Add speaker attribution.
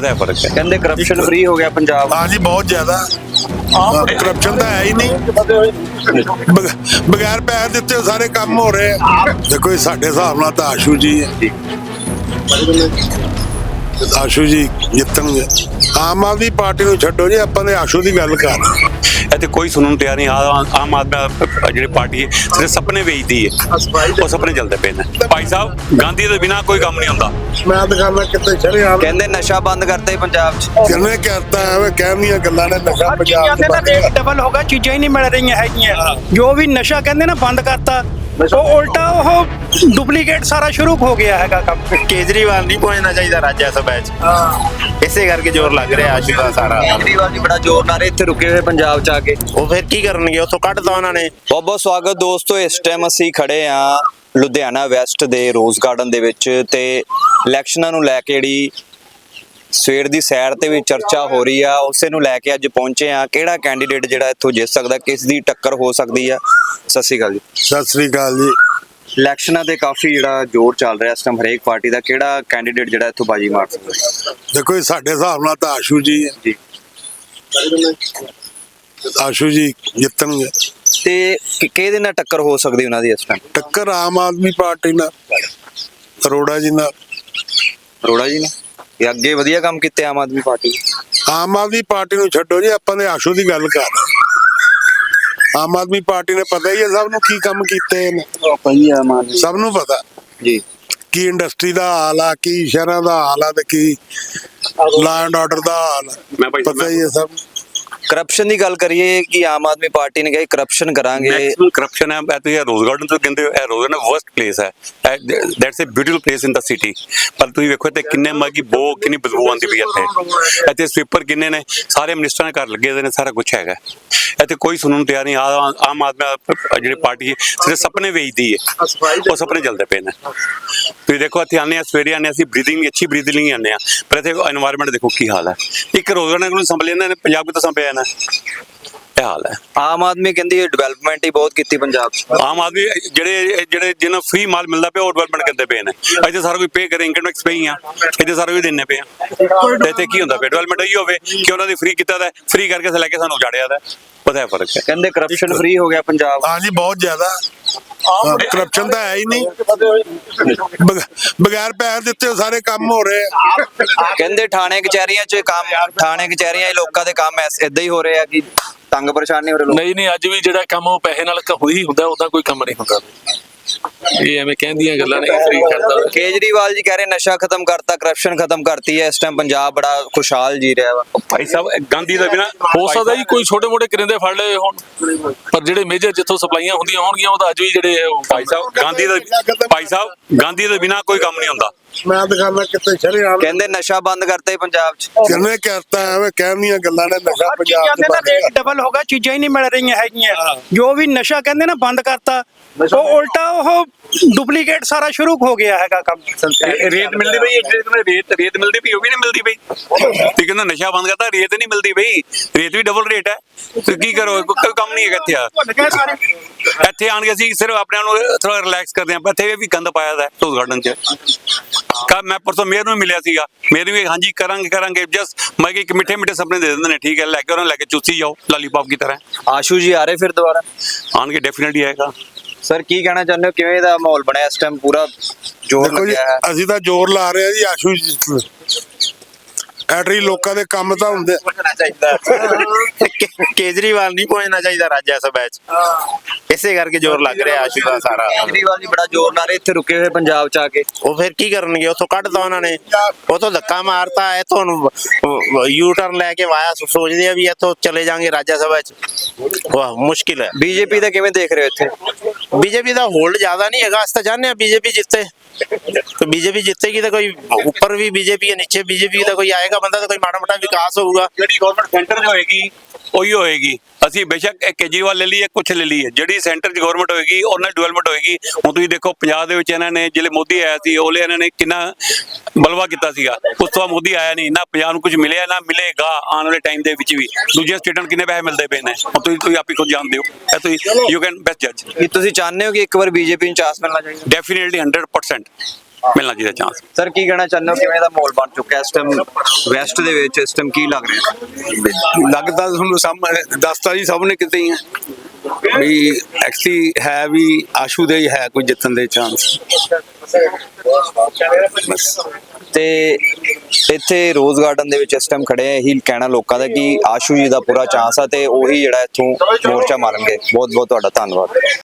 Speaker 1: पता है फर्क है।
Speaker 2: कहते करप्शन फ्री हो गया पंजाब।
Speaker 3: हाँ जी, बहुत ज्यादा करप्शन तो है ही नहीं। बगैर पैसे दिते सारे काम हो रहे हैं। देखो ये साडे हिसाब नाल तां आशू जी है। आशू जी जितणगे। आम आदमी पार्टी नूं छड्डो जी, आपां ते आशू दी गल कर रहे हैं।
Speaker 1: ਇੱਥੇ ਕੋਈ ਸੁਣਨ ਨੂੰ ਤਿਆਰ ਨਹੀਂ। ਆਮ ਆਦਮੀ ਜਿਹੜੀ ਪਾਰਟੀ ਹੈ ਸਿਰਫ ਸੁਪਨੇ ਵੇਚਦੀ ਹੈ, ਉਹ ਸੁਪਨੇ ਚੱਲਦੇ ਪਏ ਨੇ ਭਾਈ ਸਾਹਿਬ। ਗਾਂਧੀ ਦੇ ਬਿਨਾ ਕੋਈ ਕੰਮ ਨਹੀਂ ਹੁੰਦਾ।
Speaker 3: मैं दुकाना कितने शरेआम
Speaker 2: कहते नशा बंद करते पंजाब च।
Speaker 3: किन्ने कहता है वे कहनियां गल्लां ने नशा
Speaker 4: हर
Speaker 3: पंजाब
Speaker 4: चीज़ां
Speaker 3: च
Speaker 4: ਦਾ
Speaker 3: बंद
Speaker 4: ਰੇਟ
Speaker 3: कर।
Speaker 4: ਡਬਲ ਹੋ ਗਿਆ, ਚੀਜ਼ਾਂ ਹੀ ਨਹੀਂ ਮਿਲ ਰਹੀਆਂ ਹੈਗੀਆਂ। ਜੋ ਵੀ ਨਸ਼ਾ ਕਹਿੰਦੇ ਨਾ ਬੰਦ ਕਰਤਾ, ਉਹ ਉਲਟਾ ਉਹ ਡੁਪਲੀਕੇਟ ਸਾਰਾ ਸ਼ੁਰੂ ਹੋ ਗਿਆ ਹੈਗਾ ਕੰਮ।
Speaker 5: ਕੇਜਰੀਵਾਲ ਨਹੀਂ ਪਹੁੰਚਣਾ ਚਾਹੀਦਾ ਰਾਜ ਸਭਾ 'ਚ। ਇਸੇ ਕਰਕੇ ਜ਼ੋਰ ਲੱਗ ਰਿਹਾ ਆਸ਼ੂ ਦਾ ਸਾਰਾ।
Speaker 2: केजरीवाल जी बड़ा जोर नारे इत्थे रुके हुए पंजाब च आके।
Speaker 5: ਉਹ ਫਿਰ ਕੀ ਕਰਨਗੇ, ਉੱਥੋਂ ਕੱਢਤਾ ਉਹਨਾਂ ਨੇ।
Speaker 2: ਬਹੁਤ ਬਹੁਤ ਸਵਾਗਤ ਦੋਸਤੋ। ਇਸ ਟਾਈਮ ਅਸੀਂ ਖੜੇ ਆ ਲੁਧਿਆਣਾ ਵੈਸਟ ਦੇ ਰੋਜ਼ ਗਾਰਡਨ ਦੇ ਵਿੱਚ ਤੇ ਇਲੈਕਸ਼ਨਾਂ ਨੂੰ ਲੈ ਕੇ ਜਿਹੜੀ ਸਵੇਰ ਦੀ ਸੈਰ ਤੇ ਵੀ ਚਰਚਾ ਹੋ ਰਹੀ ਆ, ਉਸੇ ਨੂੰ ਲੈ ਕੇ ਅੱਜ ਪਹੁੰਚੇ ਆ। ਕਿਹੜਾ ਕੈਂਡੀਡੇਟ ਜਿਹੜਾ ਇੱਥੋਂ ਜਿੱਤ ਸਕਦਾ, ਕਿਸ ਦੀ ਟੱਕਰ ਹੋ ਸਕਦੀ ਆ। ਸਤਿ ਸ਼੍ਰੀ ਅਕਾਲ ਜੀ।
Speaker 3: सत श्री अकाल जी।
Speaker 2: ਇਲੈਕਸ਼ਨਾਂ ਤੇ ਕਾਫੀ ਜਿਹੜਾ ਜ਼ੋਰ ਚੱਲ ਰਿਹਾ ਇਸ ਟਾਈਮ ਹਰੇਕ ਪਾਰਟੀ ਦਾ। ਕਿਹੜਾ ਕੈਂਡੀਡੇਟ ਜਿਹੜਾ ਇੱਥੋਂ ਬਾਜੀ ਮਾਰ ਸਕਦਾ?
Speaker 3: देखो ये साडे हिसाब नाल तां आशू जी है।
Speaker 2: ਜੀ।
Speaker 3: आशू जी जितणगे।
Speaker 2: ਤੇ ਕਿਹਦੇ ਨਾਲ ਟੱਕਰ ਹੋ ਸਕਦੀ ਉਹਨਾਂ ਦੀ ਇਸ ਟਾਈਮ?
Speaker 3: टक्कर आम आदमी पार्टी नाल, अरोड़ा जी नाल।
Speaker 2: ਅਰੋੜਾ ਜੀ ਨੇ ਇਹ ਅੱਗੇ ਵਧੀਆ ਕੰਮ ਕੀਤੇ ਆਮ ਆਦਮੀ ਪਾਰਟੀ।
Speaker 3: ਆਮ ਆਦਮੀ ਪਾਰਟੀ ਨੂੰ ਛੱਡੋ ਜੀ, ਆਪਾਂ ਨੇ ਆਸ਼ੂ ਦੀ ਗੱਲ ਕਰ ਰਹੇ ਹਾਂ। ਆਮ ਆਦਮੀ ਪਾਰਟੀ ਨੇ ਪਤਾ ਹੀ ਹੈ ਸਭ ਨੂੰ ਕੀ ਕੰਮ ਕੀਤੇ ਨੇ। ਸਭ ਨੂੰ ਪਤਾ
Speaker 2: ਜੀ।
Speaker 3: ਕੀ ਇੰਡਸਟਰੀ ਦਾ ਹਾਲ ਆ, ਕੀ ਸ਼ਹਿਰਾਂ ਦਾ ਹਾਲ ਆ, ਤੇ ਕੀ ਲਾ ਐਂਡ ਆਰਡਰ ਦਾ ਹਾਲ ਆ, ਪਤਾ ਹੀ ਹੈ ਸਭ ਨੂੰ।
Speaker 2: ਕਰਪਸ਼ਨ ਦੀ ਗੱਲ ਕਰੀਏ ਕਿ ਆਮ ਆਦਮੀ ਪਾਰਟੀ ਨੇ ਕਿਹਾ ਕਰਪਸ਼ਨ ਕਰਾਂਗੇ।
Speaker 1: ਮੈਕਸਿਮਮ ਕਰਪਸ਼ਨ ਹੈ। ਇਹ ਰੋਜ਼ ਗਾਰਡਨ ਤੋਂ ਕਹਿੰਦੇ ਇਹ ਰੋਜ਼ ਗਾਰਡਨ ਵਰਸਟ ਪਲੇਸ ਹੈ। That's a beautiful place in the city. ਪਰ ਤੁਸੀਂ ਵੇਖੋ ਤੇ ਕਿੰਨੇ ਮੱਗੀ ਬੋ ਕਿੰਨੀ ਬਦਬੂ ਆਉਂਦੀ ਪਈ ਇੱਥੇ ਸਵੀਪਰ ਕਿੰਨੇ ਨੇ, ਸਾਰੇ ਮਿਨਿਸਟਰਾਂ ਦੇ ਘਰ ਲੱਗੇ ਹੋਏ ਨੇ, ਸਾਰਾ ਕੁਝ ਹੈਗਾ ਇੱਥੇ। ਕੋਈ ਸੁਣਨ ਨੂੰ ਤਿਆਰ ਨਹੀਂ। ਆਮ ਆਦਮੀ ਜਿਹੜੀ ਪਾਰਟੀ ਹੈ ਸਿਰਫ ਸੁਪਨੇ ਵੇਚਦੀ ਹੈ, ਉਹ ਸੁਪਨੇ ਚੱਲਦੇ ਪਏ ਨੇ। ਤੁਸੀਂ ਦੇਖੋ ਇੱਥੇ ਆਉਂਦੇ ਆ, ਸਵੇਰੇ ਆਉਂਦੇ ਅਸੀਂ ਬਰੀਥਿੰਗ ਅੱਛੀ ਬਰੀਥਿੰਗ ਲਈ ਆਉਂਦੇ ਆ, ਪਰ ਇੱਥੇ ਐਨਵਾਇਰਨਮੈਂਟ ਦੇਖੋ ਕੀ ਹਾਲ ਹੈ। ਇੱਕ ਰੋਜ਼ ਗਾਰਡਨ ਨੂੰ ਸੰਭਲੇ ਇਹਨਾਂ ਨੇ, ਪੰਜਾਬ ਕਿਤੋਂ ਸੰਭਿਆ ਨਾ, ਇਹ ਹਾਲ ਹੈ।
Speaker 2: ਆਮ ਆਦਮੀ ਕਹਿੰਦੀ ਡਿਵੈਲਪਮੈਂਟ ਹੀ ਬਹੁਤ ਕੀਤੀ ਪੰਜਾਬ 'ਚ।
Speaker 1: ਆਮ ਆਦਮੀ ਜਿਹੜੇ ਜਿਹਨਾਂ ਫ੍ਰੀ ਮਾਲ ਮਿਲਦਾ ਪਿਆ ਉਹ ਡਿਵੈਲਪਮੈਂਟ ਕਰਦੇ ਪਏ ਨੇ। ਇੱਥੇ ਸਾਰਾ ਕੋਈ ਪੇ ਕਰੇ, ਇਨਕਮ ਟੈਕਸ ਪੇ ਹੀ ਆ, ਇੱਥੇ ਸਾਰਾ ਕੁਝ ਦੇਣੇ ਪਏ ਆ। ਤੇ ਇੱਥੇ ਕੀ ਹੁੰਦਾ ਪਿਆ? ਡਿਵੈਲਪਮੈਂਟ ਇਹੀ ਹੋਵੇ ਕਿ ਉਹਨਾਂ ਦੀ ਫ੍ਰੀ ਕੀਤਾ ਦਾ, ਫ੍ਰੀ ਕਰਕੇ ਲੈ ਕੇ ਸਾਨੂੰ ਉਜਾੜਿਆ ਦਾ। ਪਤਾ ਹੈ ਫਰਕ ਹੈ।
Speaker 2: ਕਹਿੰਦੇ ਕਰਪਸ਼ਨ ਫ੍ਰੀ ਹੋ ਗਿਆ ਪੰਜਾਬ।
Speaker 3: हाँ जी, बहुत ज्यादा करप्शन तो है ही नहीं। बगैर पैसे दिते सारे काम हो रहे हैं।
Speaker 2: ਕਹਿੰਦੇ ਥਾਣੇ ਕਚਹਿਰੀਆਂ 'ਚ ਕੰਮ, ਥਾਣੇ ਕਚਹਿਰੀਆਂ 'ਚ ਲੋਕਾਂ ਦੇ ਕੰਮ ਏਦਾਂ ਹੀ ਹੋ ਰਹੇ ਆ ਕਿ ਤੰਗ ਪਰੇਸ਼ਾਨ ਨਹੀਂ ਹੋ ਰਹੇ ਲੋਕ।
Speaker 6: ਨਹੀਂ ਅੱਜ ਵੀ ਜਿਹੜਾ ਕੰਮ ਉਹ ਪੈਸੇ ਨਾਲ ਹੋਈ ਹੁੰਦਾ, ਉਹਦਾ ਕੋਈ ਕੰਮ ਨਹੀਂ ਹੁੰਦਾ। ਇਹ ਐਵੇਂ ਕਹਿੰਦੀਆਂ ਗੱਲਾਂ ਨਹੀਂ ਫਰੀ ਕਰਦਾ।
Speaker 2: ਕੇਜਰੀਵਾਲ ਜੀ ਕਹਿ ਰਹੇ ਨਸ਼ਾ ਖਤਮ ਕਰਤਾ, ਕਰਪਸ਼ਨ ਖਤਮ ਕਰਤੀ ਹੈ। ਇਸ ਟਾਈਮ ਪੰਜਾਬ ਬੜਾ ਖੁਸ਼ਹਾਲ ਜੀ ਰਿਹਾ ਵਾ।
Speaker 1: ਭਾਈ ਸਾਹਿਬ ਗਾਂਧੀ ਦਾ ਬਿਨਾ
Speaker 6: ਹੋ ਸਕਦਾ ਜੀ ਕੋਈ ਛੋਟੇ ਮੋਟੇ ਕਰਿੰਦੇ ਫੜ ਲਏ ਹੋਣ, ਪਰ ਜਿਹੜੇ ਮੇਜਰ ਜਿੱਥੋਂ ਸਪਲਾਈਆਂ ਹੁੰਦੀਆਂ ਹੋਣਗੀਆਂ ਉਹ ਤਾਂ ਅੱਜ ਵੀ ਜਿਹੜੇ
Speaker 1: ਭਾਈ ਸਾਹਿਬ ਗਾਂਧੀ ਦੇ ਬਿਨਾ ਕੋਈ ਕੰਮ ਨਹੀਂ ਹੁੰਦਾ।
Speaker 3: मैं दुकाना कितने शरेआम
Speaker 2: ਕਹਿੰਦੇ ਨਸ਼ਾ ਬੰਦ ਕਰਤੇ ਪੰਜਾਬ 'ਚ।
Speaker 3: किन्ने कहता है वे कहनियां गल्लां ने नशा
Speaker 4: ਹਰ
Speaker 3: पंजाब
Speaker 4: ਚੀਜ਼ਾਂ
Speaker 3: च
Speaker 4: ਦਾ
Speaker 3: बंद
Speaker 4: ਰੇਟ
Speaker 3: कर।
Speaker 4: ਡਬਲ ਹੋ ਗਿਆ, ਚੀਜ਼ਾਂ ਹੀ ਨਹੀਂ ਮਿਲ ਰਹੀਆਂ ਹੈਗੀਆਂ। ਜੋ ਵੀ ਨਸ਼ਾ ਕਹਿੰਦੇ ਨਾ ਬੰਦ ਕਰਤਾ, ਉਹ ਉਲਟਾ ਉਹ ਡੁਪਲੀਕੇਟ ਸਾਰਾ ਸ਼ੁਰੂ ਹੋ ਗਿਆ ਹੈਗਾ ਕੰਮ।
Speaker 1: ਰੇਤ ਮਿਲਦੀ ਪਈ, ਰੇਤ ਮਿਲਦੀ ਪਈ, ਉਹ ਵੀ ਨਹੀਂ ਮਿਲਦੀ ਪਈ। ਤੇ ਕਹਿੰਦਾ ਨਸ਼ਾ ਬੰਦ ਕਰਤਾ, ਰੇਤ ਨਹੀਂ ਮਿਲਦੀ ਪਈ। ਰੇਤ ਵੀ ਡਬਲ ਰੇਟ ਹੈ। ਤੇ ਕੀ ਕਰੋ, ਕੋਈ ਕੰਮ ਨਹੀਂ ਹੈਗਾ ਇੱਥੇ। ਇੱਥੇ ਆਣ ਕੇ ਅਸੀਂ ਸਿਰਫ ਆਪਣੇ ਆਪ ਨੂੰ ਥੋੜਾ ਰਿਲੈਕਸ ਕਰਦੇ ਹਾਂ। ਇੱਥੇ ਵੀ ਗੰਦ ਪਾਇਆ ਦਾ ਰੋਜ਼ ਗਾਰਡਨ 'ਚ। ਮੈਂ ਪਰਸੋਂ ਮੇਅਰ ਨੂੰ ਮਿਲਿਆ ਸੀਗਾ, ਮੇਅਰ ਵੀ ਹਾਂਜੀ ਕਰਾਂਗੇ ਜਸਟ ਮੈਂ ਕਿ ਇੱਕ ਮਿੱਠੇ ਸੁਪਨੇ ਦੇ ਦਿੰਦੇ ਨੇ। ਠੀਕ ਹੈ, ਲੈ ਕੇ ਉਹਨਾਂ ਲੈ ਕੇ ਚੂਸੀ ਜਾਓ ਲਾਲੀਪੌਪ ਦੀ ਤਰ੍ਹਾਂ।
Speaker 2: ਆਸ਼ੂ ਜੀ ਆ ਰਹੇ ਫਿਰ ਦੁਬਾਰਾ?
Speaker 1: ਆਣਗੇ ਡੈਫੀਨਿਟਲੀ ਆਏਗਾ।
Speaker 2: ਸਰ ਕੀ ਕਹਿਣਾ ਚਾਹੁੰਦੇ ਹੋ, ਕਿਵੇਂ ਦਾ ਮਾਹੌਲ ਬਣਿਆ ਇਸ ਟਾਈਮ? ਪੂਰਾ ਜ਼ੋਰ
Speaker 3: देखो जी,
Speaker 2: ਲੱਗਿਆ ਹੈ।
Speaker 3: ਅਸੀਂ ਤਾਂ ਜ਼ੋਰ ਲਾ ਰਹੇ ਆ ਜੀ ਆਸ਼ੂ ਜੀ। ਐਟਰੀ ਲੋਕਾਂ ਦੇ ਕੰਮ ਤਾਂ ਹੁੰਦੇ।
Speaker 5: ਪਹੁੰਚਣਾ ਚਾਹੀਦਾ ਕੇਜਰੀਵਾਲ ਨਹੀਂ ਪਹੁੰਚਣਾ ਚਾਹੀਦਾ ਰਾਜ ਸਭਾ 'ਚ। ਇਸੇ ਕਰਕੇ ਜ਼ੋਰ ਲੱਗ ਰਿਹਾ ਆਸ਼ੂ ਦਾ ਸਾਰਾ।
Speaker 2: ਕੇਜਰੀਵਾਲ ਜੀ ਬੜਾ ਜ਼ੋਰ ਨਾਰੇ ਇੱਥੇ ਰੁਕੇ ਹੋਏ ਪੰਜਾਬ 'ਚ ਆ ਕੇ।
Speaker 5: ਉਹ ਫਿਰ ਕੀ ਕਰਨਗੇ, ਉੱਥੋਂ ਕੱਢਤਾ ਉਹਨਾਂ ਨੇ। ਉੱਥੋਂ ਧੱਕਾ ਮਾਰਤਾ, ਇੱਥੋਂ ਯੂ ਟਰਨ ਲੈ ਕੇ ਵਾਇਆ ਸੋਚਦੇ ਆ ਵੀ ਇੱਥੋਂ ਚਲੇ ਜਾਣਗੇ ਰਾਜ ਸਭਾ 'ਚ। ਵਾਹ ਮੁਸ਼ਕਿਲ ਹੈ।
Speaker 2: ਬੀਜੇਪੀ ਦਾ ਕਿਵੇਂ ਦੇਖ ਰਹੇ ਹੋ ਇੱਥੇ?
Speaker 5: बीजेपी का होल्ड ज्यादा नहीं है, ਅਸੀਂ ਤਾਂ ਚਾਹੁੰਦੇ ਆ बीजेपी जितते। तो बीजेपी जितेगी तो कोई ऊपर भी बीजेपी है, नीचे बीजेपी का कोई आएगा बंदा तो कोई माड़ा मोटा विकास होगा।
Speaker 1: ਜਿਹੜੀ ਗਵਰਨਮੈਂਟ ਸੈਂਟਰ 'ਚ ਹੋਏਗੀ ਉਹੀ ਹੋਏਗੀ। ਅਸੀਂ ਬੇਸ਼ੱਕ ਕੇਜਰੀਵਾਲ ਲੈ ਲਈਏ, ਕੁਛ ਲੈ ਲਈਏ, ਜਿਹੜੀ ਸੈਂਟਰ 'ਚ ਗਵਰਨਮੈਂਟ ਹੋਏਗੀ ਉਹਨਾਂ ਡਿਵੈਲਪਮੈਂਟ ਹੋਏਗੀ। ਹੁਣ ਤੁਸੀਂ ਦੇਖੋ ਪੰਜਾਬ ਦੇ ਵਿੱਚ ਇਹਨਾਂ ਨੇ ਜਿਹੜੇ ਮੋਦੀ ਆਇਆ ਸੀ ਉਹਲੇ ਇਹਨਾਂ ਨੇ ਕਿੰਨਾ ਬਲਵਾ ਕੀਤਾ ਸੀਗਾ। ਉਸ ਤੋਂ ਬਾਅਦ ਮੋਦੀ ਆਇਆ ਨਹੀਂ, ਨਾ ਪੰਜਾਬ ਨੂੰ ਕੁਝ ਮਿਲਿਆ ਨਾ ਮਿਲੇਗਾ ਆਉਣ ਵਾਲੇ ਟਾਈਮ ਦੇ ਵਿੱਚ ਵੀ। ਦੂਜੀਆਂ ਸਟੇਟਾਂ ਨੂੰ ਕਿੰਨੇ ਪੈਸੇ ਮਿਲਦੇ ਪਏ ਨੇ ਹੁਣ ਤੁਸੀਂ ਆਪ ਹੀ ਖੁਦ ਜਾਣਦੇ ਹੋ। ਇਹ ਤੁਸੀਂ ਯੂ ਕੈਨ ਬੈਸਟ ਜੱਜ।
Speaker 2: ਕੀ ਤੁਸੀਂ ਚਾਹੁੰਦੇ ਹੋ ਕਿ ਇੱਕ ਵਾਰ ਬੀਜੇਪੀ ਨੂੰ ਚਾਂਸ ਮਿਲਣਾ ਚਾਹੀਦਾ?
Speaker 1: ਡੈਫੀਨੇਟਲੀ 100%। ਮਿਲਣਾ ਚਾਹੀਦਾ ਚਾਂਸ।
Speaker 2: ਸਰ ਕੀ ਕਹਿਣਾ ਚਾਹੁੰਦੇ ਹੋ, ਕਿਵੇਂ ਦਾ ਮਾਹੌਲ ਬਣ ਚੁੱਕਾ ਇਸ ਟਾਈਮ ਵੈਸਟ ਦੇ ਵਿੱਚ, ਇਸ ਟਾਈਮ ਕੀ ਲੱਗ ਰਿਹਾ?
Speaker 7: ਲੱਗਦਾ ਤੁਹਾਨੂੰ ਸਾਹਮਣੇ ਦੱਸਤਾ ਜੀ ਸਭ ਨੇ ਕਿਤੇ ਹੀ ਹੈ ਵੀ ਐਕਚੁਅਲੀ ਹੈ ਵੀ ਆਸ਼ੂ ਦੇ ਹੀ ਹੈ ਕੋਈ ਜਿੱਤਣ ਦੇ ਚਾਂਸ। ਬਸ
Speaker 2: ਤੇ ਇੱਥੇ ਰੋਜ਼ ਗਾਰਡਨ ਦੇ ਵਿੱਚ ਇਸ ਟਾਈਮ ਖੜੇ ਆ, ਇਹੀ ਕਹਿਣਾ ਲੋਕਾਂ ਦਾ ਕਿ ਆਸ਼ੂ ਜੀ ਦਾ ਪੂਰਾ ਚਾਂਸ ਆ ਤੇ ਉਹੀ ਜਿਹੜਾ ਇੱਥੋਂ ਮੋਰਚਾ ਮਾਰਨਗੇ। ਬਹੁਤ ਬਹੁਤ ਤੁਹਾਡਾ ਧੰਨਵਾਦ।